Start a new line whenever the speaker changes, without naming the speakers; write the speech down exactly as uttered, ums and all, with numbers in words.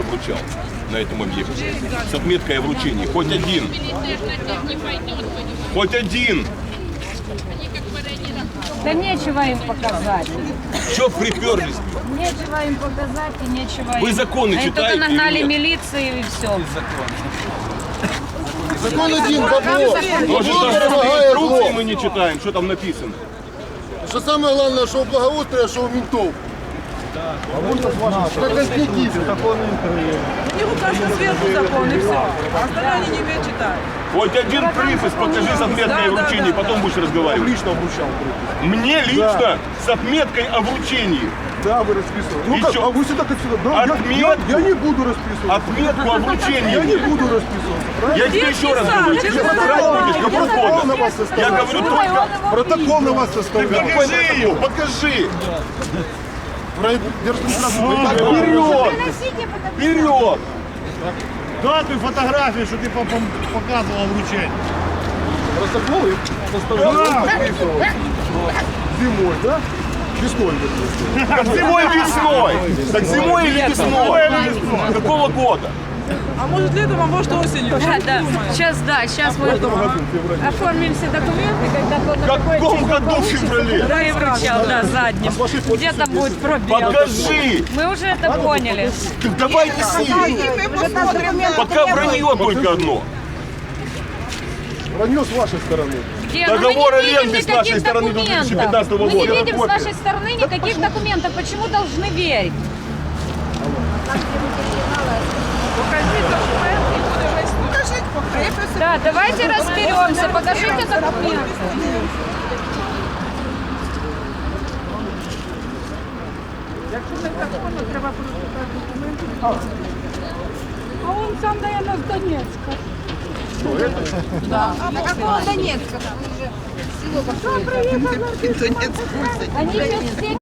вручал на этом объекте с отметкой о вручении? Хоть один. Хоть один.
Да нечего им показать.
Че приперлись?
Нечего им показать и нечего
Вы
им.
законы
Они
читаете
только нагнали
или нет?
милицию и все.
Закон один, бабло.
Может,
Бабло
даже
дорогая
инструкции
зло.
мы не читаем, что там написано.
Что самое главное, что у благоустрия, что у ментов. Как конституция.
У них кажется сверху закон и все. А остальное они не умеют читать.
Хоть один припис покажи с отметкой
Да,
о
да,
вручении,
да,
потом будешь разговаривать.
Лично обучал.
Мне лично с отметкой о вручении.
Да, вы расписывали. Ну
И
как,
чё?
а вы всегда как всегда. Да, я,
Отметку.
я, я не буду расписываться.
Отметку о
Я не
вручении.
буду расписываться, правильно?
Я тебе еще раз
сам,
говорю,
ты
тебе
же
посрать будешь, кому
Протокол на
угодно.
вас
Я
составляю.
говорю только...
Протокол на вас
Ты
составляю.
покажи его, покажи.
Вперед!
Вперед!
Дати фотографії, що ти показував вручення.
Протокол и составляю. Расписывался. Зимой, да? Весной, вернее.
Так зимой и весной. Так зимой или весной? Какого года?
А может летом, а может осенью.
Да, да. Сейчас, да, сейчас мы оформим все документы, когда вот на
В
такой
каком году в феврале?
Да, и вручал, да, задним. Где там будет пробел?
Покажи!
Мы уже это поняли.
Так давай неси!
Мы посмотрим.
Пока вранье только одно.
Вранье с вашей стороны.
Где?
Договор
Ну, мы не видим
аренды с нашей
никаких
стороны две тысячи пятнадцатого
документов. Мы
года.
не видим с вашей стороны никаких документов. Почему должны верить?
Покажи документы и будем выяснять. Покажи.
Да, давайте разберемся. Покажите документы.
Якщо не законно, треба просто документи.
А он сам, наверное, с Донецка.
На какого Донецка? Там уже село какое-то.
Они сейчас все